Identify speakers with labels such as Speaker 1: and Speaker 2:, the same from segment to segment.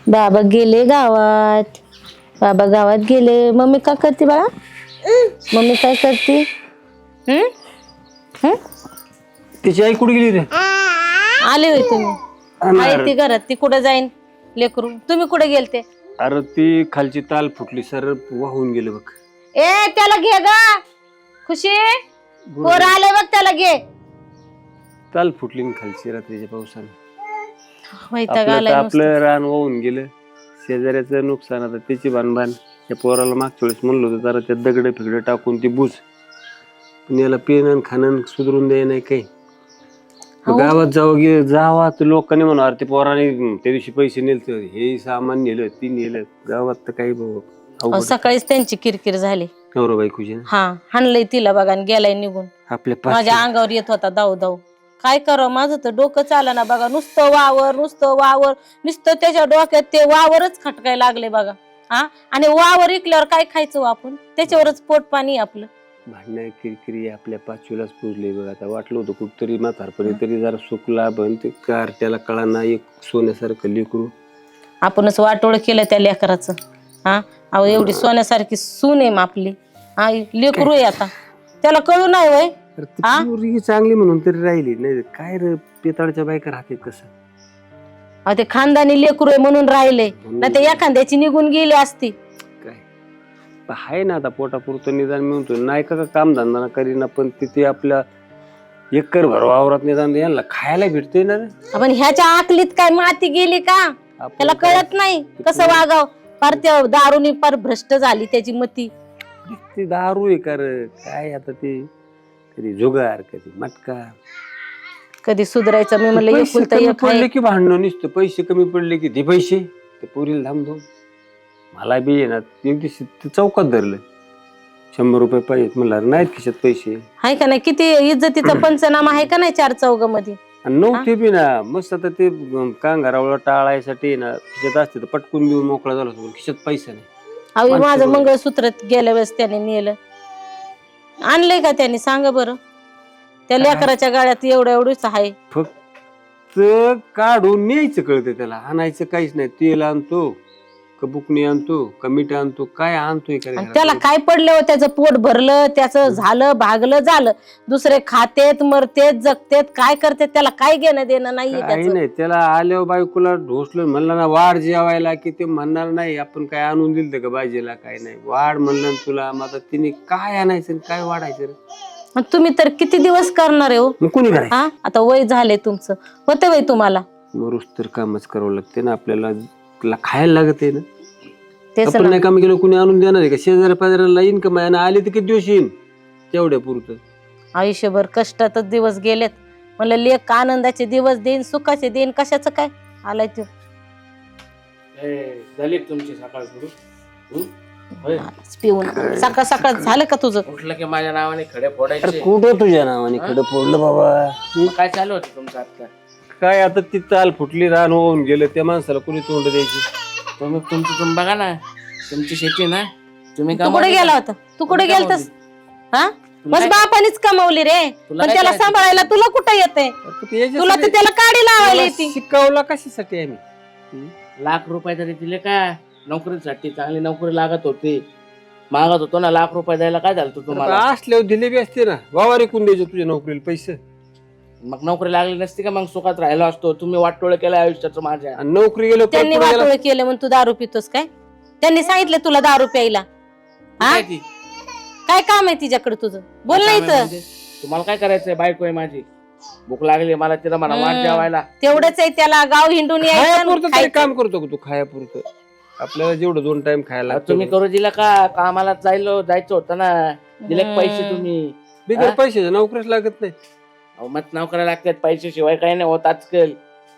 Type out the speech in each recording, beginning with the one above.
Speaker 1: बाबा गेले गावात. बाबा गावात गेले. मम्मी काय करते बाळा? मम्मी काय करते?
Speaker 2: तिची आई कुठे गेली रे?
Speaker 1: आले होय तुम्ही? आहे ती घरात. ती कुठं जाईन लेकरू? तुम्ही कुठे गेलते?
Speaker 2: अरे ती खालची ताल फुटली सर वाहून गेलं बघ.
Speaker 1: ए त्याला घे ग. खुशी पोर आले बघ, त्याला घे.
Speaker 2: ताल फुटली ना खालची रात्रीच्या पावसाने.
Speaker 1: वैताग आलाय नुसतं.
Speaker 2: आपलं रान वाहून गेलं. शेजाऱ्याचं नुकसान. आता त्याची बांधबान. त्या पोराला मागच्या वेळेस म्हणलं होतं जरा त्या दगड फिगड टाकून ती बुज, पण याला पेन खाणं सुधरून द्याय नाही काही. गावात जावा तर लोकांनी म्हणा ते पोराने त्या दिवशी पैसे नेले, हे सामान नेलं ती नेलं. गावात तर काही
Speaker 1: सकाळीच त्यांची किरकिर झाली.
Speaker 2: नवरा बायकोची
Speaker 1: हा हाणलंय तिला बघा आणि गेलाय निघून.
Speaker 2: आपल्या
Speaker 1: माझ्या अंगावर येत होता धाव धाव. काय करावं, माझं तर डोकं चाला ना बघा. नुसतं वावर नुसतं त्याच्या डोक्यात ते वावरच खटकाय लागले बघा. हा आणि वावर इकल्यावर काय खायचं आपण? त्याच्यावरच पोट पाणी आपलं.
Speaker 2: भांडणं किरकिरी आपल्या पाचवीलाच पुजले बघ. आता वाटलं होतं कुठतरी म्हातारपणी तरी जरा सुखला बन ते कार त्याला कळाना एक सोन्यासारखं लेकरू.
Speaker 1: आपणच वाटोळ केलं त्या लेकराचं. हा अहो एवढी सोन्यासारखी सून आहे आपली. हा लेकरू आहे आता, त्याला कळू नाही वय.
Speaker 2: चांगली म्हणून तरी राहिली नाही काय रे पेताळच्या बायका राहते कसं.
Speaker 1: ते खानदानी लेकरू आहे म्हणून राहिले, नाही ते एखाद्याची निघून गेली असती.
Speaker 2: आहे ना आता पोटापुरतं निदान म्हणतो नाही का काम धंदा करीना, पण तिथे आपल्या एकर भर वावरात निदान यांना खायला भेटते ना रे.
Speaker 1: पण ह्याच्या आकलीत काय माती गेली का? त्याला कळत नाही कसं वागाव. फार त्या दारूनी फार भ्रष्ट झाली त्याची मती.
Speaker 2: ती दारू आहे कर काय आता ते कधी जुगार कधी मटका.
Speaker 1: कधी सुधारायचं मी म्हणलं एकुलता एक
Speaker 2: पडले की भांडणं नुसतं. पैसे कमी पडले की दे पैसे. ते पोरीला धामधूम. मला बी ना एक दिवशी चौकात धरलं 100 रुपये पाहिजेत म्हणलं नाहीत खिशात पैसे.
Speaker 1: आहे का नाही? किती इज्जतीचा पंचनामा आहे का नाही 4 चौघामध्ये?
Speaker 2: नव्हते बी ना मस्त. आता ते कांगारावला टाळायसाठी ना खिशात असते तर पटकून देऊन मोकळा झाला होता, खिशात पैसा नाही.
Speaker 1: अहो माझं मंगळसूत्र गेल्या वेळेस त्याने नेलं. आणलंय का त्याने सांगा बरं? त्या लेकराच्या गाड्यात एवढंच आहे.
Speaker 2: फक्त काढून न्यायचं कळतं त्याला. आणायचं काहीच नाही. तेल आणतो का बुकणी आणतो का मीठ आणतो काय आणतोय का?
Speaker 1: त्याला काय पडलं हो? त्याचं पोट भरलं, त्याचं झालं भागलं झालं. दुसरे खातेत मरतेत जगतेत काय करतेत, त्याला काय घेणं देणं नाहीये त्याचं.
Speaker 2: नाही त्याला आल्यावर बायकोला ढोसलं म्हणलं ना वाढ जेवायला की ते म्हणणार नाही आपण काय आणून दिलं का भाजीला काय नाही. वाढ म्हणलं तुला मग तिने काय आणायचं काय वाढायचं रे.
Speaker 1: तुम्ही तर किती दिवस करणार आहे हो?
Speaker 2: कोणी करायचं?
Speaker 1: हा आता वय झाले तुमचं, होतं वय तुम्हाला.
Speaker 2: मरुस तर कामच करावं लागते ना आपल्याला. खायला लागत आहे ना.
Speaker 1: तेच
Speaker 2: आपण नाही काम केलं कुणी आणून देणार आहे का? शेजाऱ्या पाजाऱ्याला इन्कम आहे ना. आली तर किती दिवस येईन तेवढ्या पुरतं.
Speaker 1: आयुष्यभर कष्टातच दिवस गेलेत. म्हणलं लेक आनंदाचे दिवस देईन सुखाचे देईन, कशाचं काय आलाय तो.
Speaker 3: झाली तुमची सकाळ सुरू
Speaker 1: पिऊन सकाळ सकाळ झालं का तुझं?
Speaker 3: उठलं की माझ्या नावाने खडे फोडायचे.
Speaker 2: कुठं तुझ्या नावाने खडं फोडलं बाबा?
Speaker 3: काय चालू होतं तुमचं आता?
Speaker 2: काय आता ती ताल फुटली रान होऊन गेलं त्या माणसाला कुणी तोंड द्यायची?
Speaker 3: तुम्ही तुम्ही बघा ना, तुमची शेती ना. तुम्ही
Speaker 1: तू कुठे गेला होता? तू कुठे गेलतस? हा बस बापानीच कमावली रे. पण त्याला सांभाळायला तुला कुठं येते? तुला तर त्याला काडी लावायला येते.
Speaker 2: शिकवला कशासाठी आम्ही?
Speaker 3: लाख रुपये तरी दिले का नोकरीसाठी? चांगली नोकरी लागत होती, मागत होतो ना. लाख रुपये द्यायला काय झालं तुम्हाला?
Speaker 2: असल्यावर दिले बी असते ना. वावर ऐकून द्यायचे तुझ्या नोकरीला पैसे.
Speaker 3: मग नोकरी लागली नसती का? मग सुखात राहिलो असतो. तुम्ही वाटोळ केलं आयुष्याचं माझ्या.
Speaker 2: नोकरी गेलो
Speaker 1: त्यांनी वाटोळ केलं म्हणून तू दारू पितोस काय? त्यांनी सांगितलं तुला दारू प्यायला? काय काम आहे तिच्याकडे तुझं? बोल नाही तर.
Speaker 3: तुम्हाला काय करायचंय? बायको आहे माझी, भूक लागली मला, तिला म्हणा वाट जेवायला.
Speaker 1: तेवढंच आहे त्याला. गाव हिंडून यायचं
Speaker 2: काम करतो का तू? खायापुरतं आपल्याला जेवढं 2 टाइम खायला
Speaker 3: तुम्ही करू दिला का? कामाला जायचं होतं ना. दिले पैसे तुम्ही?
Speaker 2: बिगर पैशाच्या नोकरीच लागत नाही.
Speaker 3: मत नाव करायला लागतात पैसे शिवाय काही नाही होत आजकाल.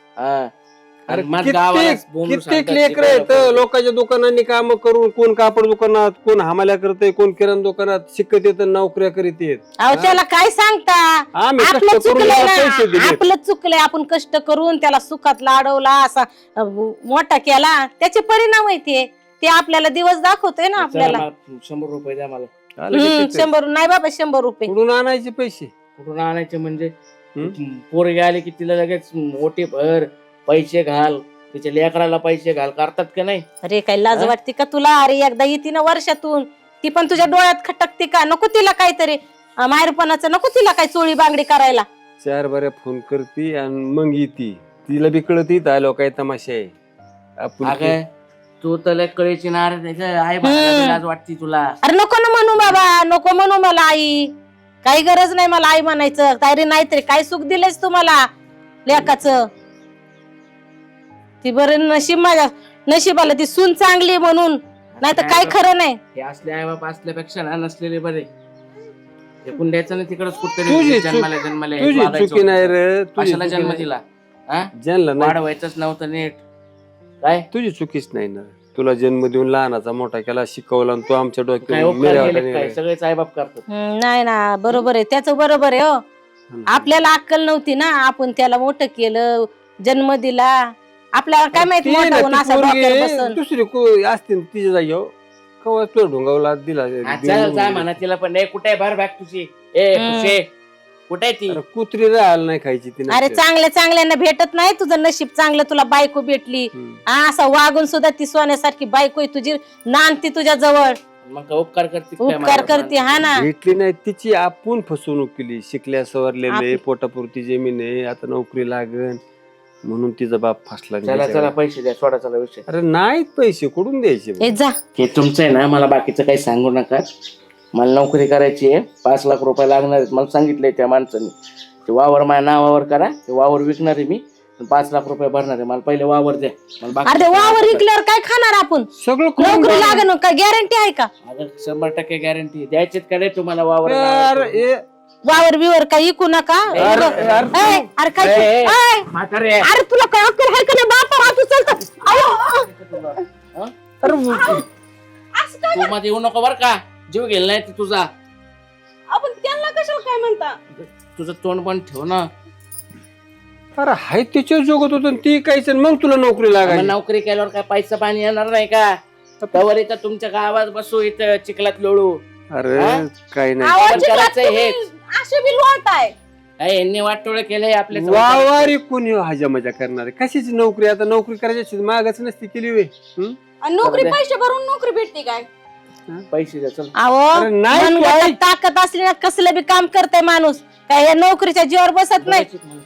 Speaker 2: कित्येक लेकर आहेत लोकांच्या दुकानांनी काम करून. कोण कापड दुकानात, कोण हमाल्या करते, कोण किराणा दुकानात शिकत येत, नोकऱ्या करीत येत.
Speaker 1: त्याला काय सांगता? आपलं चुकलंय ना. आपलं चुकलंय. आपण कष्ट करून त्याला सुखात लाडवला, असा मोठा केला, त्याचे परिणाम आहे ते आपल्याला दिवस दाखवतोय ना आपल्याला.
Speaker 3: 100 रुपये द्या मला.
Speaker 1: 100 नाही बाबा, 100 रुपये
Speaker 2: कुठून आणायचे पैसे?
Speaker 3: कुठून आणायचे म्हणजे? पोरगी आली की तिला लगेच मोठी भर पैसे घाल, तिच्या लेकराला पैसे घाल करतात का नाही?
Speaker 1: अरे काय लाज वाटते का तुला? अरे एकदा येते ना वर्षातून, ती पण तुझ्या डोळ्यात खटकते का? नको तिला काहीतरी माहेरपणाचं, नको तिला काय चोळी बांगडी करायला.
Speaker 2: 4 बऱ्या फोन करती आणि मग येते. तिला बी कळत इथं आलो काय तमाशा आहे. आपण
Speaker 3: अगं तू तर लय कळीची नाराज आहे गं. आई बाबाला लाज वाटते तुला.
Speaker 1: अरे नको ना म्हणू बाबा, नको म्हणू मला आई. काही गरज नाही मला आई म्हणायचं. तरी नाहीतरी काय सुख दिलेस तुम्हाला लेकाचं. ती बरं नशीब, माझ्या नशिबाला ती सून चांगली म्हणून, नाही तर काय खरं नाही.
Speaker 3: हे असले आई बाप असल्यापेक्षा ना नसलेले बरे. एकूण द्यायचं ना तिकडच
Speaker 2: तुझी
Speaker 3: कुठतरी
Speaker 2: चूक-
Speaker 3: जन्माला
Speaker 2: तुझी चुकी नाही रे, तुझी
Speaker 3: कशाला
Speaker 2: चुकी
Speaker 3: जन्म
Speaker 2: नाही.
Speaker 3: दिला? हा
Speaker 2: ज्यांना नाही
Speaker 3: वाढवायचंच नव्हतं नीट. काय
Speaker 2: तुझी चुकीच नाही ना. तुला जन्म देऊन लहानाचा मोठा केला, शिकवला आणि तू आमच्या
Speaker 3: काय
Speaker 2: डोक्यात
Speaker 3: उपकार
Speaker 2: मेल्या
Speaker 3: केले
Speaker 2: वाटाने
Speaker 3: काय? सगळेच आई बाप करतात.
Speaker 1: नाही ना, बरोबर आहे, त्याचं बरोबर आहे. हो, आपल्याला अक्कल नव्हती ना, आपण त्याला मोठं केलं, जन्म दिला. आपल्याला काय माहिती
Speaker 2: ती
Speaker 1: मोठा
Speaker 2: ना,
Speaker 1: होऊन
Speaker 2: ती
Speaker 1: असा
Speaker 2: पोरगी
Speaker 1: डोक्यावर बसन.
Speaker 2: दुसरी असते तिच्या जागी कवा तो ढोंगावला दिला.
Speaker 3: हा, चल जा म्हणा तिला पण. ए कुठे भर बॅग तुझी? ए खुशे कुठे आहे ती?
Speaker 2: अरे कुत्री राहायला नाही खायची तिने.
Speaker 1: अरे चांगल्या चांगल्यांना भेटत नाही. तुझं नशीब चांगलं, तुला बायको भेटली. असं वागून सुद्धा ती सोन्यासारखी बायको आहे तुझी, नांदती तुझ्या जवळ,
Speaker 3: मग काय उपकार करते काय
Speaker 1: उपकार
Speaker 3: माझ्यावर?
Speaker 1: करते. हा ना,
Speaker 2: भेटली नाही, तिची आपण फसवणूक केली. शिकल्या सवरलेले, पोटापुरती जमीन आहे, आता नोकरी लागन म्हणून तिचा बाप फसला.
Speaker 3: चला चला पैसे द्या, सोडा चला विषय.
Speaker 2: अरे नाहीत पैसे कुठून द्यायचे?
Speaker 1: हे जा.
Speaker 3: हे तुमचं आहे ना, मला बाकीचं काही सांगू नका. मला नोकरी करायची आहे, 5 लाख रुपये लागणार आहेत. मला सांगितलंय त्या माणसाने, ते वावर माझ्या नावावर करा, ते वावर विकणार आहे मी, 5 लाख रुपये भरणार आहे. मला पहिले वावर द्या. मला
Speaker 1: अरे वावर विकल्यावर काय खाणार आपण?
Speaker 2: सगळं करून
Speaker 1: नोकरी लागण काय गॅरंटी आहे का?
Speaker 3: 100% गॅरंटी द्यायचीच का रे तुम्हाला वावर?
Speaker 1: वावर बिवर काही विकू नका. अरे काय
Speaker 3: ए,
Speaker 1: ए,
Speaker 3: म्हातारे.
Speaker 1: अरे तुला काय अक्कल आहे का नाही? बापा हात उचलतो.
Speaker 3: तू मध्ये येऊ नको बर का, जीव गेला नाही तर तुझा.
Speaker 4: आपण त्यांना कशाला काय म्हणता?
Speaker 3: तुझं तोंड पण ठेव ना.
Speaker 2: अरे हाय तिच्या जोगत होत ती काहीच, मग तुला नोकरी
Speaker 3: मग
Speaker 2: लागायची.
Speaker 3: नोकरी केल्यावर काय पैसा पाणी येणार नाही का? तवर इथं तुमच्या गावात बसू, इथं चिखलात लोळू.
Speaker 2: अरे
Speaker 3: हा?
Speaker 2: काही नाही.
Speaker 4: आवाज
Speaker 3: आपण करायचं
Speaker 4: तुम्ही
Speaker 3: हेच.
Speaker 4: असे बी लोळताय.
Speaker 3: काय यांनी वाटोळ केलंय आपल्या
Speaker 2: वावारी कोणी हजा मजा करणार? कशाची नोकरी? आता नोकरी करायची मागच नसती केली वे.
Speaker 4: आणि नोकरी पैसे भरून नोकरी भेटते काय?
Speaker 3: पैसे द्या चल.
Speaker 2: अरे नाही तू
Speaker 1: मनगटात
Speaker 2: ऐक.
Speaker 1: ताकद असली ना, कसलं बी काम करतय माणूस. काय या नोकरीच्या जीवावर बसत नाही.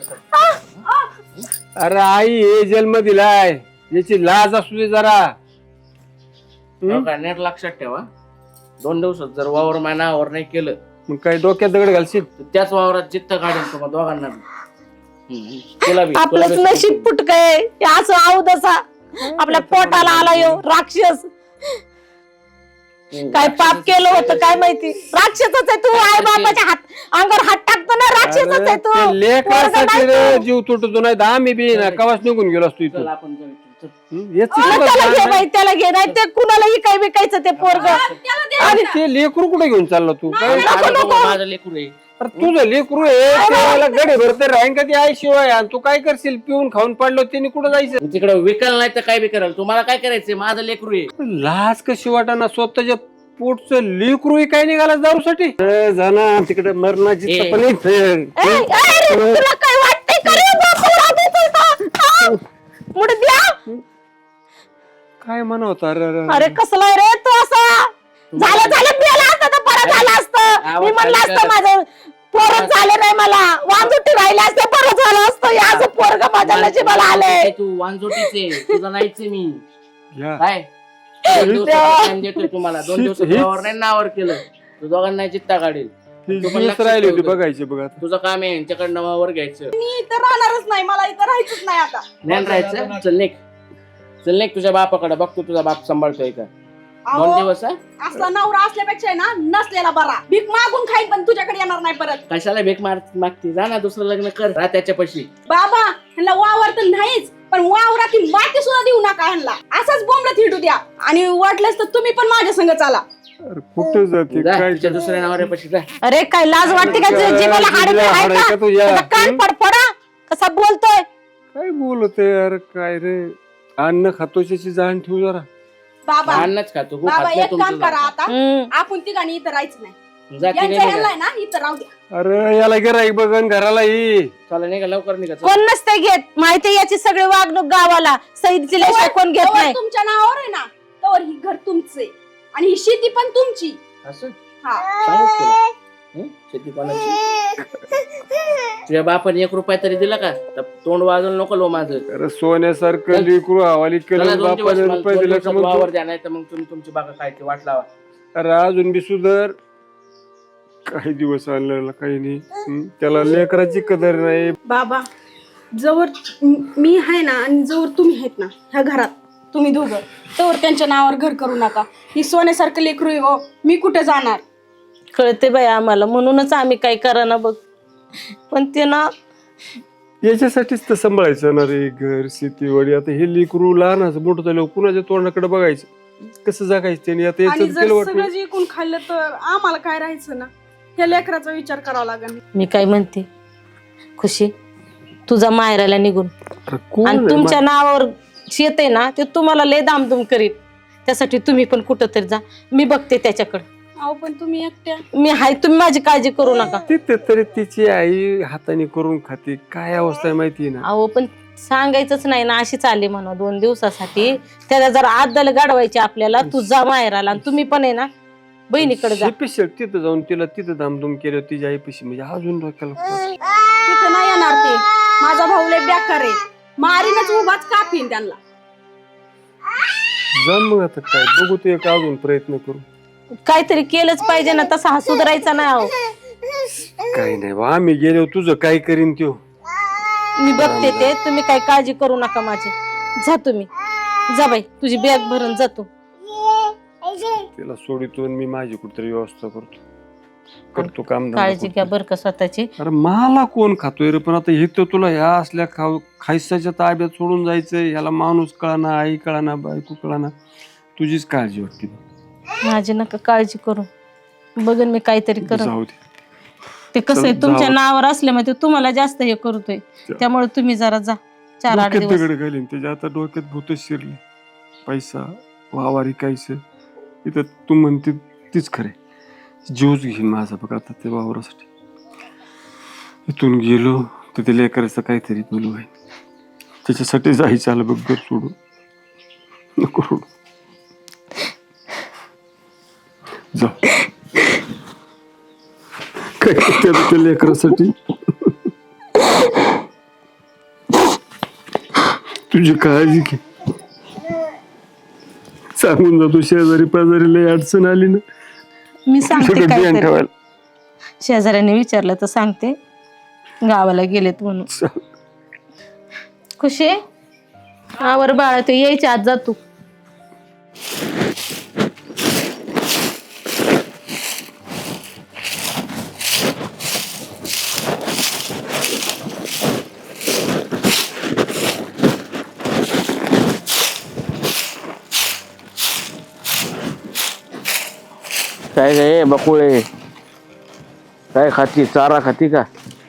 Speaker 2: अरे आई हे जन्म दिलाय, याची लाज असू दे जरा.
Speaker 3: नेट लक्षात ठेवा, 2 दिवसात जर वावर मानावर नाही केलं
Speaker 2: मग काय डोक्यात दगड घालशील?
Speaker 3: तर त्याच वावरात जित्त काढेल तुम्हाला दोघांना. तुला बी
Speaker 1: आपलंच नशीब फुटकय असं अवदसा. आपल्या पोटाला आला यो राक्षस. काय पाप केलं होतं काय माहिती? राक्षसच आहे तू. आई बापाच्या अंगावर हात टाकतो ना, राक्षसच आहे तू.
Speaker 2: अरे, ते लेकरासाठी रे जीव तुटतो, नाही तर आम्ही बी ना कवाच निघून गेलो असतो
Speaker 3: चल
Speaker 2: इथून.
Speaker 3: आपण जाऊ इथून, चल.
Speaker 2: याचं
Speaker 1: त्याला
Speaker 2: सुद्धा
Speaker 1: घे
Speaker 2: जाण
Speaker 1: बाई, त्याला घे. नाही ते कुणालाही काय विकायचं ते पोरग.
Speaker 4: त्याला द्या.
Speaker 2: आणि ते लेकरू कुठे घेऊन चालला तू? काय?
Speaker 3: माझं लेकरू आहे.
Speaker 2: अरे तुझं लेकरू आहे, त्याला गडे भरते राहीन का ती आई शिवाय? आणि तू काय करशील? पिऊन खाऊन पडलो त्यांनी कुठं जायचं?
Speaker 3: तिकडे विकाल नाही तर काय बी कराल. तुम्हाला काय करायचंय? माझं लेकरू आहे.
Speaker 2: लाज कशी वाटाना? स्वतःच्या पोटचं लेकरू आहे काय निघाला दारूसाठी? जाना तिकडे मरणाची
Speaker 3: ए.
Speaker 2: चपली.
Speaker 1: तुला काय वाटतंय का रे? बापू राहते तुझा. मुळे द्या.
Speaker 2: काय म्हणा होता?
Speaker 1: अरे कसला रे तू असा? झालं मेला असतं तर परत झालं असतं. मी म्हणलं असतं माझं पोरच झाले नाही, मला वांजुटी राहिले असते, परत झालं असतं. याचं पोरग माझ्या नशिबाला आलंय.
Speaker 3: तू वांजोटीचे, तुझा नाहीचे मी.
Speaker 2: या.
Speaker 3: काय 2 दिवसाचा time देतोय तुम्हाला. 2 दिवसात वावर नाही नावर केलं तू दोघांना जित्ता काढेल.
Speaker 2: ती
Speaker 3: तू पण
Speaker 2: जीवच
Speaker 3: लक्षात
Speaker 2: राहिली होती
Speaker 3: ठेव.
Speaker 2: बघायची बघा.
Speaker 3: तुझं काम आहे यांच्याकडनं वावर घ्यायचं.
Speaker 4: मी इथं राहणारच नाही, मला इथं राहायचंच नाही आता.
Speaker 3: ज्ञान राहायचं. चल निघ, चल निघ तुझ्या बापाकडे. बघतो तुझा बाप सांभाळतोय का. 2
Speaker 4: अहो,
Speaker 3: दिवस हा?
Speaker 4: असला नवरा असल्यापेक्षा आहे ना नसलेला बरा. भीक मागून खाईन पण तुझ्याकडे येणार नाही परत.
Speaker 3: कशाला भीक मागती? जा ना दुसरं लग्न कर, राह त्याच्या पशी.
Speaker 4: बाबा ह्यांना वावर तर नाहीच, पण वावरातील माती सुद्धा देऊ नका ह्यांना. असंच बोंबलत हिंडू द्या. आणि वाटलंच तर तुम्ही पण माझ्या संग चाला.
Speaker 2: अरे कुठं जाते
Speaker 3: जा
Speaker 2: काय?
Speaker 3: तुझ्या दुसऱ्या नावाऱ्या पशी जा.
Speaker 1: अरे काय लाज वाटते का? जीवाला हाड
Speaker 2: जीवाला हाड आहे का तुझ्या?
Speaker 1: त्याचा कान पडपडा कसा बोलतोय.
Speaker 2: काय बोलतोय यार? काय रे? अन्न खातोशी जाण ठेवू जरा.
Speaker 4: बाबा
Speaker 3: अन्नच खातो. हो,
Speaker 4: बाबा
Speaker 3: खात नाही
Speaker 4: एक काम
Speaker 3: तुमचं
Speaker 4: करा
Speaker 3: जात.
Speaker 4: आता. आपण तिघांनी इथं राहायचं नाही.
Speaker 3: जाती
Speaker 4: यांचं
Speaker 3: नाही
Speaker 4: ह्यांना आहे ना इथं राहू द्या.
Speaker 2: अरे याला गिराईक बघन घराला ही.
Speaker 3: चला निघा लवकर निघा चला.
Speaker 1: कोण नसते घेत माहिती याची सगळी वागणूक गावाला सईद दिल्याशिवाय कोण घेत
Speaker 4: तवर
Speaker 1: नाही.
Speaker 4: तुमच्या नावावर आहे ना तर ही घर तुमचे आणि ही शेती पण तुमची.
Speaker 3: असं
Speaker 4: हा
Speaker 3: सांगू तुला शेती कोणाची. तुझ्या बापाने 1 रुपया तरी दिला का तर तोंड वाजवलं नको लो माझं.
Speaker 2: अरे सोन्यासारखं लेकरू हवाली
Speaker 3: चला
Speaker 2: केलं
Speaker 3: 2 दिवस
Speaker 2: बापाने
Speaker 3: मला
Speaker 2: रुपये
Speaker 3: 2
Speaker 2: दिले का
Speaker 3: दिवसात
Speaker 2: मग
Speaker 3: वावर द्या नाही तर मग तुम्ही तुमची बागा काय ते वाट लावा.
Speaker 2: अरे अजून बी सुधर. काही दिवस आणलेला काही नाही. त्याला लेकराची कदर नाही.
Speaker 4: बाबा जवळ मी आहे ना आणि जवळ तुम्ही आहेत ना ह्या घरात तुम्ही दोघं तवर त्यांच्या नावावर घर करू नका. ही सोन्यासारखं लेकरू आहे हो. मी कुठे जाणार.
Speaker 1: कळते बाई आम्हाला म्हणूनच आम्ही काही करा बघ पण ते ना
Speaker 2: याच्यासाठीच तर सांभाळायचं ना रे घर शेतीवाडी. आता हे लेकरू लहानाचं मोठं झालं कुणाच्या तोंडाकडे बघायचं कसं जगायचं त्याने. आता
Speaker 4: आणि
Speaker 2: याचं
Speaker 4: जर
Speaker 2: केलं
Speaker 4: सगळं जिंकून खाल्लं तर आम्हाला काय राहायचं ना. ह्या लेकराचा विचार करावा लागेल.
Speaker 1: मी काय म्हणते खुशी तुझा मायराला निघून
Speaker 2: वाटतं.
Speaker 1: आणि तुमच्या नावावर शेत आहे ना ते तुम्हाला लय दामदुम करीत त्यासाठी तुम्ही पण कुठं तरी जा. मी बघते त्याच्याकडे.
Speaker 4: अहो पण तुम्ही एकट्या.
Speaker 1: मी हाय तुम्ही माझी काळजी करू नका.
Speaker 2: तिथे तरी तिची आई हाताने करून खाते. काय अवस्था आहे माहिती ना.
Speaker 1: अहो पण सांगायचंच नाही ना अशीच आली म्हणा 2 दिवसासाठी. त्याला जर आदल गाडवायची आपल्याला तू जा मायराला आणि तुम्ही पण आहे ना बहिणीकडे जा.
Speaker 2: स्पेशल तिथं जाऊन तिला तिथं धामधूम केलं तिच्या आईपाशी म्हणजे अजून डोक्याला.
Speaker 4: तिथं नाही येणार ते. माझा भाऊ लय बेकार आहे. मारीनच उभाच कापीन त्यांना.
Speaker 2: जा मग आता काय बघू ते एक अजून प्रयत्न करू.
Speaker 1: काहीतरी केलंच पाहिजे ना तसा हा सुधारायचा नाही. अहो
Speaker 2: काही नाही बा आम्ही गेलो तुझं काय करीन त्यो.
Speaker 1: मी बघते ते तुम्ही काही काळजी करू नका माझी. जा तुम्ही जा बाई तुझी बॅग भरून जातो.
Speaker 2: तिला सोडितो आणि मी माझी कुठतरी व्यवस्था करतो काम.
Speaker 1: काळजी घ्या बरं का स्वतःची.
Speaker 2: अरे मला कोण खातोय रे. पण आता हे तर तुला ह्या असल्या खायसाच्या ताब्यात सोडून जायचंय. ह्याला माणूस कळाना आई कळाना बायको कळाना. तुझीच काळजी वाटते.
Speaker 1: माझी नका काळजी करू. बघन मी काहीतरी करत.
Speaker 2: जाऊ दे.
Speaker 1: ते कसं आहे
Speaker 2: चल,
Speaker 1: तुमच्या
Speaker 2: जाऊ.
Speaker 1: नावावर असल्यामुळे ते तुम्हाला जास्त हे करतोय. त्यामुळे तुम्ही जरा जा 4-8
Speaker 2: डोक्यात
Speaker 1: दिवस.
Speaker 2: दगड घालीन त्याच्या. आता डोक्यात भूतच शिरले. पैसा वावारी कायचं इथं तू म्हणते तीच खरे. जीवच घेईन माझा बघ आता ते वावरासाठी. इथून गेलो तर ते लेकराचं काहीतरी बोलू आहे. त्याच्यासाठी जायचं आलं बघ घर सोडून. नको रडू. जा काय करते आता त्या लेकरासाठी. तुझी काळजी घे. सांगून जातो शेजारी पाजारी लय अडचण आली ना.
Speaker 1: मी सांगते
Speaker 2: सगळं ध्यान
Speaker 1: काहीतरी.
Speaker 2: ठेवायला.
Speaker 1: शेजाऱ्याने विचारलं तर सांगते गावाला गेलेत म्हणून. खुशी आवर बाळा ते यायच्या आत जा तू.
Speaker 3: काय गे बकुळे काय खाती चारा खाती का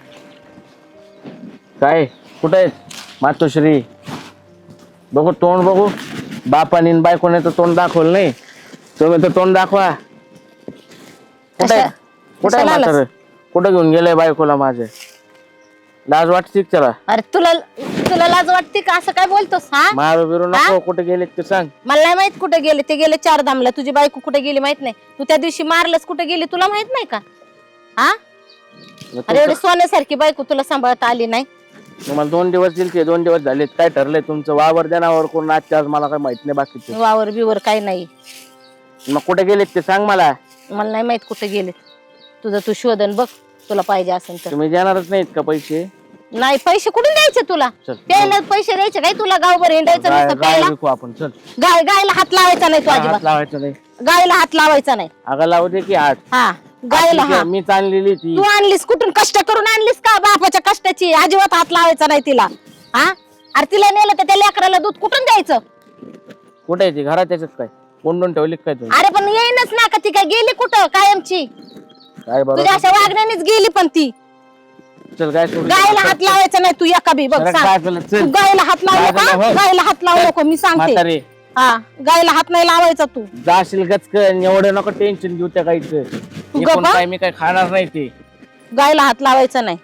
Speaker 3: काय. कुठे आहेत मातोश्री. बघू तोंड बघू. बापाने आणि बायकोने तर तोंड दाखवलं नाही. तुम्ही तर तोंड दाखवा. कुठे
Speaker 1: कशा-
Speaker 3: कुठे
Speaker 1: कशाला आलास?
Speaker 3: म्हातारं कुठे घेऊन गेलंय बायकोला माझ्या. लाज वाटते का त्याला.
Speaker 1: अरे तुला तुला लाज वाटते का असं काय बोलतोस हा.
Speaker 3: मारू बिरू नको. कुठे गेले ते सांग.
Speaker 1: मला नाही माहित कुठे गेले. ते गेले 4 धामला. तुझी बायको कुठे गेली माहित नाही. तू त्या दिवशी मारलंस कुठे गेली तुला माहित नाही का. हा अरे एवढी सोन्यासारखी बायको तुला सांभाळता आली नाही.
Speaker 3: तुम्हाला 2 दिवस दिले 2 दिवस झालेत. काय ठरलंय तुमचं वावर देण्यावर कोण आजच्या आज मला काय माहित नाही बाकीचे.
Speaker 1: वावर बिवर काही नाही.
Speaker 3: मग कुठे गेलेत ते सांग मला.
Speaker 1: मला नाही माहित कुठे गेले. तुझं तू शोधन बघ तुला पाहिजे असेल तर.
Speaker 3: तुम्ही देणारच नाहीत का पैसे.
Speaker 1: नाही पैसे कुठून द्यायचे तुला.
Speaker 3: चल.
Speaker 1: प्यायला पैसे द्यायचे काय तुला गावभर हिंडायचं
Speaker 3: गाय
Speaker 1: नुसतं
Speaker 3: गाय
Speaker 1: प्यायला.
Speaker 3: विकू आपण चल.
Speaker 1: गायला हात लावायचा नाही तू
Speaker 3: हात
Speaker 1: अजिबात.
Speaker 3: लावायचं नाही.
Speaker 1: गायला हात लावायचा नाही.
Speaker 3: अगं लावू दे की हात.
Speaker 1: हा गायला
Speaker 3: ठीक आहे,
Speaker 1: हा.
Speaker 3: मी चाललेली ती.
Speaker 1: तू आणलीस कुठून कष्ट करून आणलीस का बापाच्या कष्टाची. अजिबात हात लावायचा नाही तिला. हा अरे तिला नेलं तर त्या लेकराला दूध कुठून द्यायचं.
Speaker 3: कुठे आहे ती घरात त्याच्यात काय कोंडून ठेवली काय तुम्ही.
Speaker 1: अरे पण येईनच ना का ती काय गेली कुठं कायमची.
Speaker 3: काय
Speaker 1: तुझ्या
Speaker 3: बरोबर.
Speaker 1: अशा वागण्यानेच गेली पण ती.
Speaker 3: चल काय सोडून
Speaker 1: गायला हात लावायचा नाही तू एका बी बघ
Speaker 3: जरा
Speaker 1: सांग.
Speaker 3: काय केलं, चल.
Speaker 1: तू गायला हात लावू
Speaker 3: काय
Speaker 1: नका.
Speaker 3: झालं, हो?
Speaker 1: गायला हात लावू नको मी सांगते.
Speaker 3: म्हातारे
Speaker 1: हा गायला हात नाही लावायचा तू.
Speaker 3: जाशील गचकन, एवढं नको टेन्शन घेऊ त्या गाईचं. मी पण
Speaker 1: गप्पा?
Speaker 3: काय मी काय खाणार नाही ते.
Speaker 1: गायला हात लावायचा नाही.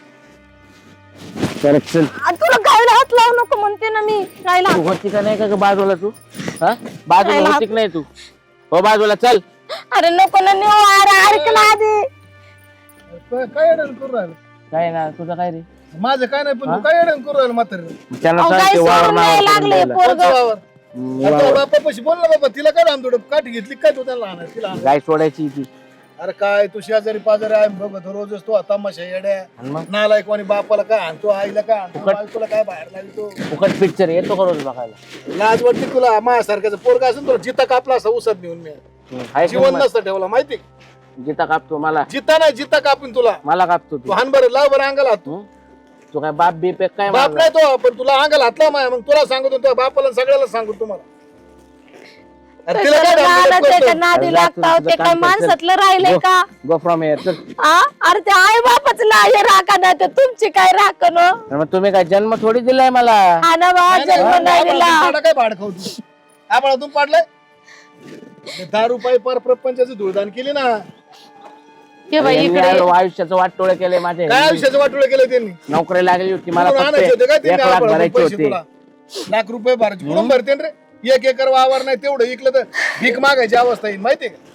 Speaker 3: तर चल.
Speaker 1: तुला गायला हात लावू नको म्हणते ना मी. गायला
Speaker 3: तू होती का नाही का ग बाजूला तू? हा बाजूला
Speaker 1: गायला
Speaker 3: होती का नाही तू? हो बाजूला चल.
Speaker 1: अरे नको ना नेऊ. अरे ऐकला आधी.
Speaker 5: काय अडण करू राहिलं?
Speaker 3: काय ना तुझं काय रे?
Speaker 5: माझं काय नाही, पण तू काय अडण करू राहिलं म्हातारे?
Speaker 3: त्याला
Speaker 1: अहो,
Speaker 3: सांग
Speaker 1: गाय
Speaker 3: ते वावर
Speaker 1: सोडून
Speaker 3: नावावर
Speaker 1: नाही
Speaker 3: करून
Speaker 1: लागले
Speaker 3: द्यायला.
Speaker 1: पोरग.
Speaker 5: वावर बापापाशी बोल ना बाबा, तिला काय रामदोड काठी घेतली काय तू त्याला आणाय तिला आणाय?
Speaker 3: गाय सोडायची ती.
Speaker 5: अरे काय तू शेजारी पाजारी आहे बघ रोजच तो तमाशा येड्या
Speaker 3: आणि मग
Speaker 5: नालायक कोणी बापाला काय आणतो आईला काय आणतो बायकोला काय बाहेर लागतो.
Speaker 3: फुकट पिक्चर येतो का रोज बघायला?
Speaker 5: लाज वाटते तुला माझ्यासारख्याचं पोरगा असून तुला जिता कापला असा उसत नेऊन मी
Speaker 3: हाय
Speaker 5: जीवन
Speaker 3: का मग?
Speaker 5: नसतं ठेवला माहिती.
Speaker 3: जिता कापतो मला.
Speaker 5: जिता नाही जिता कापून तुला
Speaker 3: मला कापतो
Speaker 5: तू
Speaker 3: तू.
Speaker 5: हान बरं लाव बरं अंगाला हात.
Speaker 3: हं? तू काय बाप बीप आहे काय
Speaker 5: बाप
Speaker 3: माझा?
Speaker 5: नाही तो, पण तुला अंगाला हातला माय मग तुला सांगतो तुझ्या बापाला सगळ्याला सांगू तुम्हाला. अरे तिला काय रामदोड
Speaker 1: त्याच्या
Speaker 5: करतो?
Speaker 1: नादी
Speaker 3: अरे
Speaker 1: लागता
Speaker 3: तुझं
Speaker 1: ते
Speaker 3: काम
Speaker 1: काय
Speaker 3: कर, चल.
Speaker 1: माणसातलं राहिलंय का?
Speaker 3: गो फ्रॉम हिअर चल.
Speaker 1: अरे ते आई बापाच नाही राखा ना ते तुमची काय राखण हो?
Speaker 3: मग तुम्ही काय जन्म थोडी दिलाय मला?
Speaker 1: हा ना बा
Speaker 5: नाही, नाही,
Speaker 1: जन्म नाही
Speaker 5: आम्हाला
Speaker 1: दिला.
Speaker 5: तुमच्याकडे काय भाड खाऊ तू? आम्हाला तुम्ही पाडलंय 10 रुपये पर प्रपंचाची धुळदान केली ना.
Speaker 1: हे बाई
Speaker 3: यांनी
Speaker 1: इकडे
Speaker 3: आलो आयुष्याचं वाटोळ केलंय माझे.
Speaker 5: काय आयुष्याचं वाटोळं केलं त्यांनी?
Speaker 3: नोकरी लागली होती मला
Speaker 5: कुठून
Speaker 3: फक्त
Speaker 5: आणायचे होते काय
Speaker 3: 1
Speaker 5: त्यांनी
Speaker 3: लाख
Speaker 5: आम्हाला
Speaker 3: भरायचे
Speaker 5: पैसे
Speaker 3: होते.
Speaker 5: तुला? लाख रुपये भरायचे कुठून भरते रे? 1 एकर वावर नाही तेवढं इकलं तर भीक मागायची अवस्था येईल माहितीये का?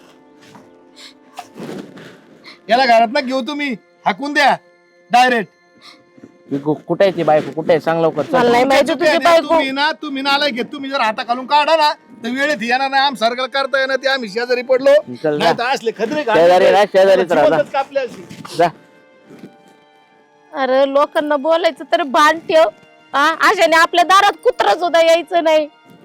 Speaker 5: याला घरात ना घेऊ तुम्ही हाकून द्या डायरेक्ट.
Speaker 3: कुठे आहे ती बायको? कुठे आहे सांग लवकर चल.
Speaker 1: मला नाही माहिती तुझी बायको.
Speaker 5: तुम्ही नालाय घेत तुम्ही जर हाता खालून काढा ना तर वेळेत येणार नाही. आम सारखं करता येणार ते आम्ही शेजारी पडलो
Speaker 3: चल
Speaker 5: नाही तर असले खदरे
Speaker 3: शेजारी राहा, शेजारीच राहा, जा.
Speaker 5: जिवंतच कापले असते.
Speaker 3: जा.
Speaker 1: अरे लोकांना बोलायचं तर भान ठेव. अशाने आपल्या दारात कुत्र सुद्धा यायचं नाही.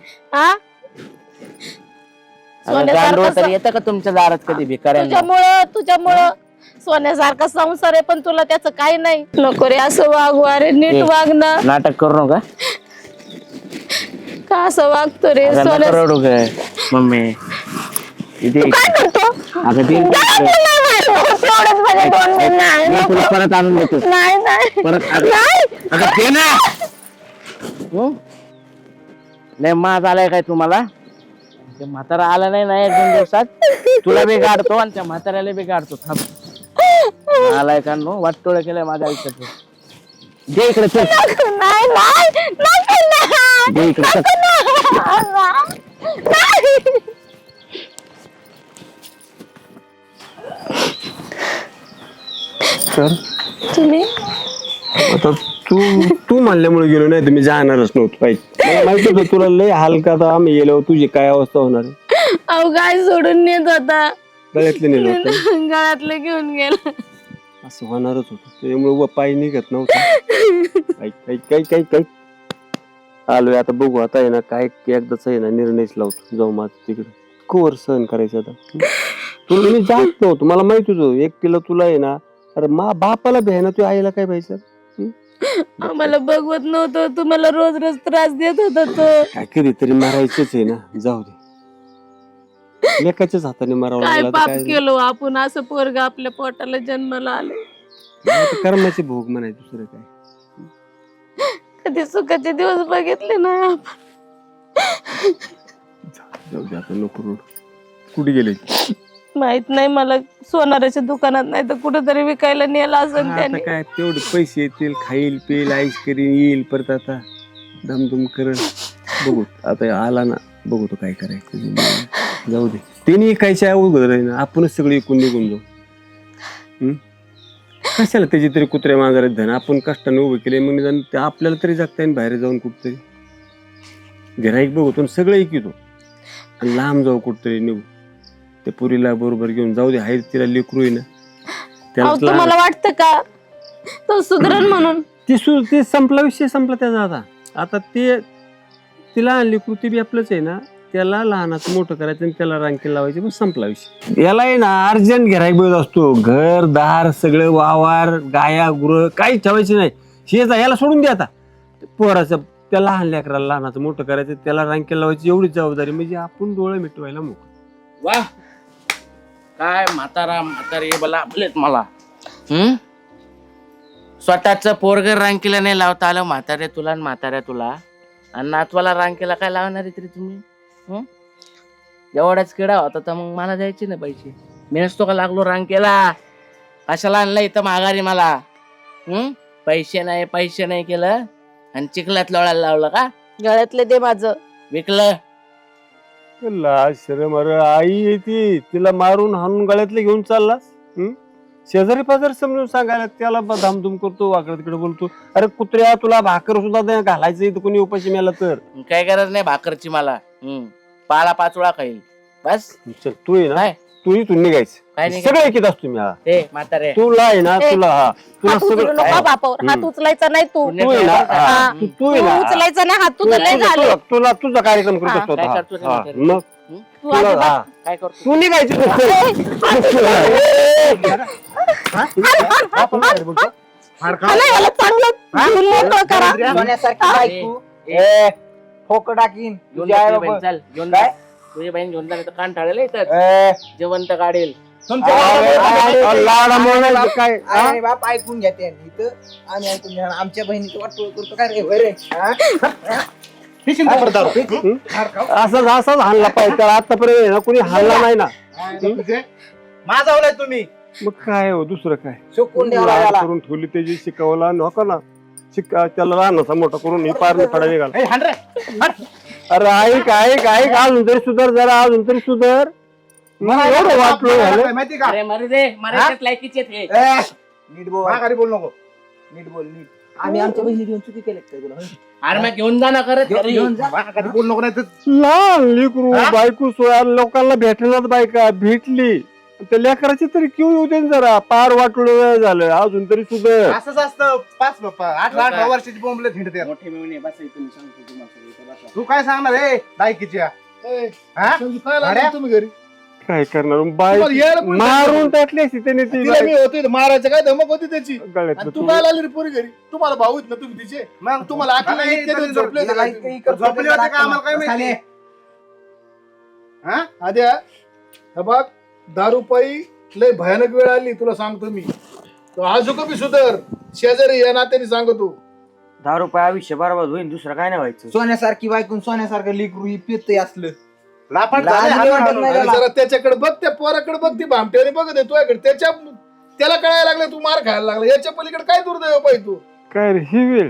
Speaker 3: गांडूळ तरी येतं का तुमच्या दारात कधी भिकाऱ्यांना?
Speaker 1: तुझ्यामुळं सोन्यासारखा संसार आहे पण तुला त्याचं काही नाही. नको रे असं वागू. अरे नीट वाग ना.
Speaker 3: नाटक करू नका.
Speaker 1: का असं वागतो रे
Speaker 3: अगं
Speaker 1: सोन्या?
Speaker 3: नका रडू गं, मम्मी. इथे
Speaker 1: काय करतो?
Speaker 3: अगं ते मी तुला परत आणून देतो. परत अगं ते ना. नाही माज आलाय काय तुम्हाला? ते म्हातारा आला नाही ना 1-2 दिवसात तुला बी गाडतो आणि त्या म्हाताऱ्याला बी गाडतो. थांब आलाय का नो वाटोळ केलंय माझ्या आयुष्यात. दे इकडे चल. दे इकडे चल.
Speaker 2: तर
Speaker 1: तुम्ही
Speaker 2: आता तू म्हणल्यामुळे गेलो नाही तर मी जाणारच नव्हतो पाहिजे. मला माहिती होतं तुला लय हलका आता आम्ही गेलो तुझी काय अवस्था होणार आहे.
Speaker 1: अहो गाय सोडून नेत होता.
Speaker 2: गळ्यातले नेलं होतं.
Speaker 1: गळ्यातलं घेऊन गेला.
Speaker 2: असं होणारच होतं त्यामुळे पाय निघत नव्हतं. काही आलोय आता बघू. आता आहे ना काय एकदाच आहे ना निर्णयच लावतो. जाऊ माझ तिकडे कवर सहन करायचं आता. तुला मी जात नव्हतो मला माहित होतं एकटीला तुला आहे ना. अरे बापाला भ्याय ना तू आईला काय पाहिजे.
Speaker 1: आम्हाला बघवत नव्हतं. तुम्हाला रोज रोज त्रास देत होता तो.
Speaker 2: काय कधीतरी मारायचंच आहे ना. जाऊ दे लेकाच्याच हाताने मारावं
Speaker 1: काय
Speaker 2: लागलं.
Speaker 1: पाप
Speaker 2: काय
Speaker 1: केलो आपण असं पोरग आपल्या पोटाला जन्माला आले.
Speaker 2: कर्माचे भोग म्हणायचं दुसरं काय.
Speaker 1: कधी सुखाचे दिवस बघितले ना आपण.
Speaker 2: जाऊ दे आता नको रोड. कुठे गेले?
Speaker 1: माहित नाही मला. सोनाराच्या दुकानात नाही तर कुठेतरी विकायला नेला असेल
Speaker 2: आता
Speaker 1: त्याने.
Speaker 2: काय तेवढे पैसे येतील खाईल पेल आईस करीन येईल परत आता दमदम करल. बघू आता आला ना बघू तो काय करायचं. जाऊ दे त्यांनी कायच्या अवघड आहे ना. आपणच सगळे एकूण निघून जाऊ. कशाला त्याची तरी कुत्र्या मांजरात धन आपण कष्टाने उभे केले मग निदान ते आपल्याला तरी जगता येईल बाहेर जाऊन कुठतरी. गिऱ्हाईक बघतो सगळं ऐकितो आणि लांब जाऊ कुठतरी निघू. त्या पुरीला बरोबर घेऊन जाऊ दे. हाय तिला लेकरू आहे ना
Speaker 1: अहो, तुम्हाला वाटतं का तो सुधरण म्हणून?
Speaker 2: ते संपला विषय संपला त्याचा. आता ते तिला आणली कृती बी आपलंच आहे ना. त्याला लहानाचं मोठं करायचं आणि त्याला रांकी लावायची पण संपला विषय. याला आहे ना अर्जंट गिऱ्हाईक बघत असतो. घर दार सगळं वावर गाया गुरं काही ठेवायचे नाही. शेजा याला सोडून द्या. आता पोराचं त्या लहान लेकराला लहानाचं मोठं करायचं त्याला रांकी लावायची एवढीच जबाबदारी. म्हणजे आपण डोळे मिटवायला मोकळं.
Speaker 3: वा काय म्हातारी बोला आपलेत मला. स्वतःच पोरग रांकीला नाही लावता आलं. म्हाताऱ्या तुला आणि म्हाताऱ्या तुला आणि नातवाला रांकीला काय लावणार आहे तरी तुम्ही? एवढाच किडा होता तर मग मला द्यायचे ना पैसे. मी नसतो का लागलो रांग केला. कशाला आणलं इथं माघारी मला? पैसे नाही केलं आणि चिखलात लोळायला लावलं का?
Speaker 1: गळ्यातले दे माझं.
Speaker 3: विकलं.
Speaker 2: लाज शरम, अरे आई येते तिला मारून हाणून गळ्यातले घेऊन चाललास. शेजारी पाजारी समजून सांगायला त्याला धामधूम करतो, वाकडं तिकडे बोलतो. अरे कुत्र्या, तुला भाकर सुद्धा नाही घालायचं इथं कोणी उपाशी मेला तर.
Speaker 3: काय गरज नाही भाकरची मला. पाला 5 वेळा खाईल बस.
Speaker 2: चल तू आहे ना,
Speaker 3: काय?
Speaker 2: तू इथून निघायचं.
Speaker 3: काय नाही
Speaker 2: सगळं ऐकत असतो मी. हा
Speaker 3: ए म्हातारे,
Speaker 2: तुला आहे ना,
Speaker 1: ए,
Speaker 2: तुला तुला
Speaker 1: हात उचलू
Speaker 2: सगळं
Speaker 1: नको बापावर. हात उचलायचा नाही तू.
Speaker 3: पुण्य
Speaker 2: तू आहे ना,
Speaker 3: ठेवायचं.
Speaker 2: हा,
Speaker 1: तू
Speaker 2: तू आहे ना,
Speaker 1: उचलायचा नाही हात. तुझं लय झालं.
Speaker 2: तुला तुझा कार्यक्रम करत
Speaker 1: हा,
Speaker 2: असतो.
Speaker 3: काय
Speaker 2: हा,
Speaker 3: करतो ते
Speaker 2: हा,
Speaker 3: म्हातारे?
Speaker 2: मग
Speaker 1: तू
Speaker 2: तुला
Speaker 1: अजिबात-
Speaker 2: हा,
Speaker 3: काय करतो?
Speaker 2: तू निघायचं.
Speaker 1: मला याला चांगलं घेऊन मोकळं करा.
Speaker 6: सोन्यासारखी बायको
Speaker 3: ए,
Speaker 6: ठोक टाकीन
Speaker 3: घेऊन
Speaker 6: तुझ्या
Speaker 3: जा
Speaker 6: आई
Speaker 3: तुझी बहीण,
Speaker 6: बाबा.
Speaker 3: चल घेऊन
Speaker 6: काय?
Speaker 3: जा. तुझी बहीण घेऊन जा, कान ठाळेल इथं
Speaker 6: ए,
Speaker 3: जेवंत काढेल.
Speaker 2: लाडामुळे काय हा?
Speaker 6: अरे बाप ऐकून घेते इथं. आम्ही ऐकून घ्या आमच्या बहिणीचं वाटोळ करतो काय रे होय रे हा?
Speaker 2: असाच हाणला पाहिजे त्याला. आतापर्यंत ना कोणी हाणला नाही ना.
Speaker 5: माझा ओलाय तुम्ही.
Speaker 2: मग काय हो, दुसरं काय
Speaker 6: शिकून द्यावा
Speaker 2: लाड
Speaker 6: याला.
Speaker 2: करून ठेवली त्याची, शिकवला नको ना. त्याला लहानाचा मोठा करून ही पार फडा निघाला.
Speaker 5: ए, हाण रे.
Speaker 2: अरे ऐक ऐक ऐक, अजून तरी सुधार जरा, अजून तरी सुधार. मला एवढं वाटलं झालं.
Speaker 5: माहिती का?
Speaker 3: अरे मरू दे, मराठीत लायकीचे हे.
Speaker 6: ए, नीट बोल,
Speaker 5: माघारी बोल नको.
Speaker 6: नीट बोल नीट. आम्ही आमच्या बहिणी घेऊन चुकी केली काय तुला?
Speaker 3: अरे मग घेऊन जा ना करत घरी.
Speaker 6: घेऊन जा.
Speaker 5: माघारी बोल नको, नाही तर
Speaker 2: लहान लेकरू बायको सोया लोकांना भेटणार बायका भेटली. त्या लेकराची तरी क्यू येऊ दे ना जरा. पार वाटलं झालं, अजून तरी सुधार.
Speaker 5: असंच असतं. 18 वर्षाची बोंबले हिंडते.
Speaker 3: मोठे मिळून बस इथून सांगतो तुम्हाला सगळं इथं बसा.
Speaker 5: तू काय सांगणार रे लायकीच्या? हा? भाड्या? तुम्ही घरी
Speaker 2: काय करणार बाय,
Speaker 5: तुम्हाला यायला पण
Speaker 2: मारून टाकली असती त्याने ती
Speaker 5: तिला मी होते मारायचं काय धमक होती त्याची.
Speaker 2: गळ्यातलं
Speaker 5: आणि
Speaker 2: तू.
Speaker 5: तू काय आली रे पोरी घरी? तुम्हाला भाऊ आहेत ना तुम्ही तिचे. मग तुम्हाला आखी नाही, इतके दिवस झोपले होते
Speaker 6: याला
Speaker 5: का
Speaker 6: इतकं
Speaker 5: तुम्ही?
Speaker 6: इकडं
Speaker 5: झोपले होते का आम्हाला काय माहिती? हा? आद्या, हे बघ, दारू पायी लय भयानक वेळ आली तुला सांगतो मी. तो आजोका बी सुधर. शेजारी या नात्याने सांगतो.
Speaker 6: 10 रुपये आयुष्य बरोबर होईल, दुसरं काय नाही व्हायचं. सोन्यासारखी बायकून सोन्यासारखं लेकरू ही पितंय असलं.
Speaker 5: लापाट
Speaker 6: लाज
Speaker 5: झाले,
Speaker 6: नाही
Speaker 5: हाणून
Speaker 6: वाटत
Speaker 5: हाणून.
Speaker 6: नाही
Speaker 5: आणि
Speaker 6: त्याला.
Speaker 5: जरा त्याच्याकडे बघ, त्या पोराकडे बघ, ती भामट्याने बघत आहे तुझ्याकडे. त्याला कळायला लागलं तू मार खायला लागला. याच्या पलीकडे काय दुर्दैव पाहिजे तू?
Speaker 2: काय रे ही वेळ.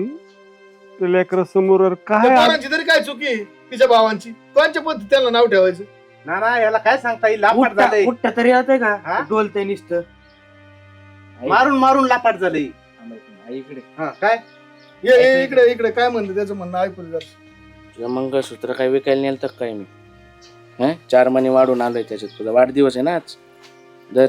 Speaker 2: लेकर समोर
Speaker 5: त्या
Speaker 2: काय
Speaker 5: पोरांची तरी काय चुकी आहे? तिच्या भावांची कोणच्या पद्धती त्याला नाव ठेवायचं?
Speaker 7: ना ना याला काय सांगता येईल? लापाट झालंय,
Speaker 6: कुठं तरी येतंय
Speaker 7: हा?
Speaker 6: का डोलतंय नुसतं.
Speaker 7: मारून मारून लापाट झालंय.
Speaker 3: आई इकडे.
Speaker 7: हा काय
Speaker 5: ये इकडे इकडे काय म्हणते त्याचं म्हणणं ऐकू दे जरा.
Speaker 3: तुझं मंगळसूत्र काय विकायला नेलं तर काय मी? 4 महिने वाढून आलोय त्याच्यात. तुझा वाढदिवस आहे ना आज. दर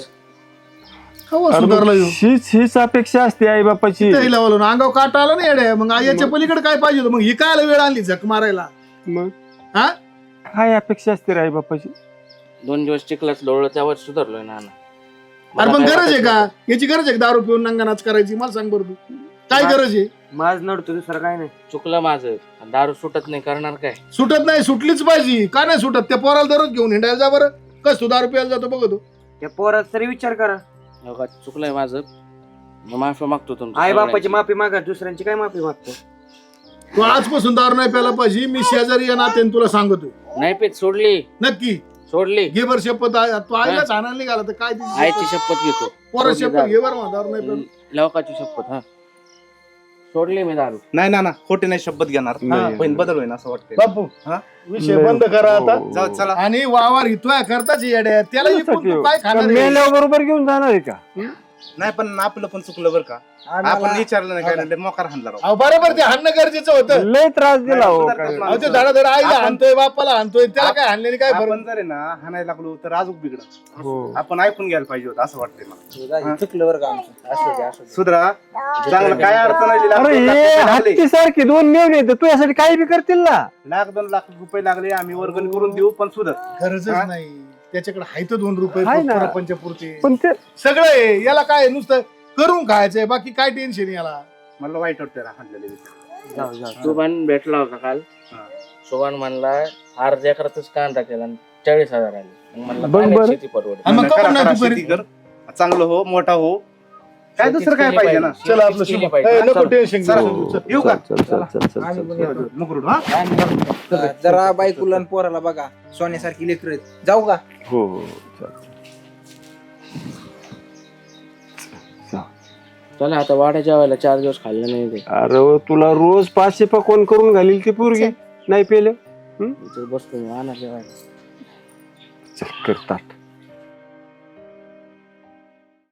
Speaker 5: कवा सुधारला ह्यो?
Speaker 2: हीच अपेक्षा असते आई बापाची.
Speaker 5: तिथं हिला बोलवून अंगावर काटा आला ना येड्या. मग याच्या पलीकडे काय पाहिजे होतं? मग ही काय वेळ आणली झक मारायला?
Speaker 2: मग
Speaker 5: हा?
Speaker 2: काय अपेक्षा असते रे आई बापाची?
Speaker 3: 2 दिवस चिखलात लोळलं त्यावर सुधारलोय ना.
Speaker 5: अरे मग गरज आहे का? याची गरज आहे का दारू पिऊन नंगानाच करायची? मला सांग बरं तू, काय गरज आहे?
Speaker 6: माझ नडतो दुसरं काय नाही.
Speaker 3: चुकलं माझं. दारू सुटत नाही, करणार काय?
Speaker 5: सुटत नाही, सुटलीच पाहिजे. का नाही सुटत? त्या पोराला दररोज घेऊन हिंडायला जा बरं. कस तू दारू प्यायला जातो बघतो.
Speaker 6: त्या पोरात तरी विचार करा.
Speaker 3: हो का, चुकलंय माझं. मग माफी मागतो तुमचं.
Speaker 6: आई बापाची माफी मागा, दुसऱ्यांची काय माफी मागतो?
Speaker 5: तू आजपासून दारू नाही प्यायला पाहिजे. मी शेजारी या नात्याने तुला सांगतो.
Speaker 3: नाही पेत, सोडली
Speaker 5: नक्की
Speaker 3: सोडली.
Speaker 5: घे बर शपथ. तू आईलाच आणायला निघाला तर काय तिची
Speaker 3: आईची शपथ घेतो.
Speaker 5: पोरं
Speaker 3: सोडली
Speaker 5: शपथ घे बरं मग दारू नाही प्यायला.
Speaker 3: लवकाची शपथ. हा, सोडली मी दारू.
Speaker 7: नाही ना ना खोटे नाही शपथ घेणार.
Speaker 2: नाही.
Speaker 7: बहीण बदल होईन असं वाटतंय.
Speaker 5: बापू
Speaker 7: हा?
Speaker 5: विषय बंद करा आता.
Speaker 2: हो.
Speaker 7: जाऊ चला.
Speaker 5: आणि वावर हितोय करताच येड्या. त्याला इकून तू काय खाणार आहे?
Speaker 2: मेल्यावर बरोबर घेऊन जाणार आहे का?
Speaker 7: नाही पण आपलं पण चुकलं बरं का. आपण विचारलं नाही काय नाही, मोकार हाणला राव.
Speaker 5: अहो, बरोबर ते हाणणं गरजेचं होतं.
Speaker 2: लय त्रास दिला हो.
Speaker 7: नाही,
Speaker 2: काय.
Speaker 5: अहो, ते धडाधड आईला
Speaker 7: आपण-
Speaker 5: हाणतोय, बापाला हाणतोय. त्याला काय हाणलेली काय फरक?
Speaker 7: आपण जर आहे ना हाणायला लागलो तर अजून बिघडत.
Speaker 2: हो.
Speaker 7: आपण ऐकून घ्यायला पाहिजे होतं असं वाटतंय मला.
Speaker 6: चुकलं बरं का आमचं. असं द्या, असं द्या.
Speaker 7: सुधरा चांगलं काय अडचण आली.
Speaker 2: अरे हे हत्ती सारखी 2 मेवणे आहेत, तू यासाठी काही बी करतील ना.
Speaker 7: 1-2 लाख रुपये लागले आम्ही वर्गणी करून देऊ पण सुधर.
Speaker 5: गरजच
Speaker 7: हा?
Speaker 5: नाही. त्याच्याकडे आहे तर 2 रुपये
Speaker 2: आहे ना.
Speaker 5: पंचपुरते
Speaker 2: पण ते
Speaker 5: सगळं आहे. याला काय आहे? नुसतं करून खायचंय, बाकी काय टेन्शन याला.
Speaker 7: मला वाईट वाटतं हाणलेले.
Speaker 6: जाऊ जाऊ.
Speaker 3: सुभान भेटला होता काल.
Speaker 7: हा.
Speaker 3: सुभान म्हणला अर्ध्या एकरातच कांदा केला आणि 40,000 आले. मग म्हणलं
Speaker 2: बरं,
Speaker 3: काय नाही,
Speaker 2: बरं.
Speaker 3: शेती परवडत.
Speaker 5: आणि मग
Speaker 7: करा,
Speaker 5: करून नाही
Speaker 7: करा,
Speaker 5: तू
Speaker 7: शेती
Speaker 5: घरी?
Speaker 7: कर चांगलं हो मोठा हो काय दुसरं काय पाहिजे ना
Speaker 5: चला आपलं
Speaker 3: केली
Speaker 5: शुभ
Speaker 3: पाहिजे.
Speaker 5: नको टेन्शन
Speaker 7: चला.
Speaker 5: घेऊ चल.
Speaker 7: येऊ का
Speaker 2: चल चल चल चल
Speaker 6: आम्ही पण
Speaker 2: चल
Speaker 6: येतो.
Speaker 7: मुकरुड हा
Speaker 6: जरा बायकोला आणि पोराला बघा सोन्यासारखी लेकर आहेत जाऊ का
Speaker 2: हो हो चल.
Speaker 3: चला आता वाड्या जेवायला 4 दिवस खाल्लं नाही ते.
Speaker 2: अरे व, तुला रोज 500 पकवान करून घालील ती पोरगी नाही पेले
Speaker 3: इथं बसतो मी आणा जेवायला.
Speaker 2: चल करतात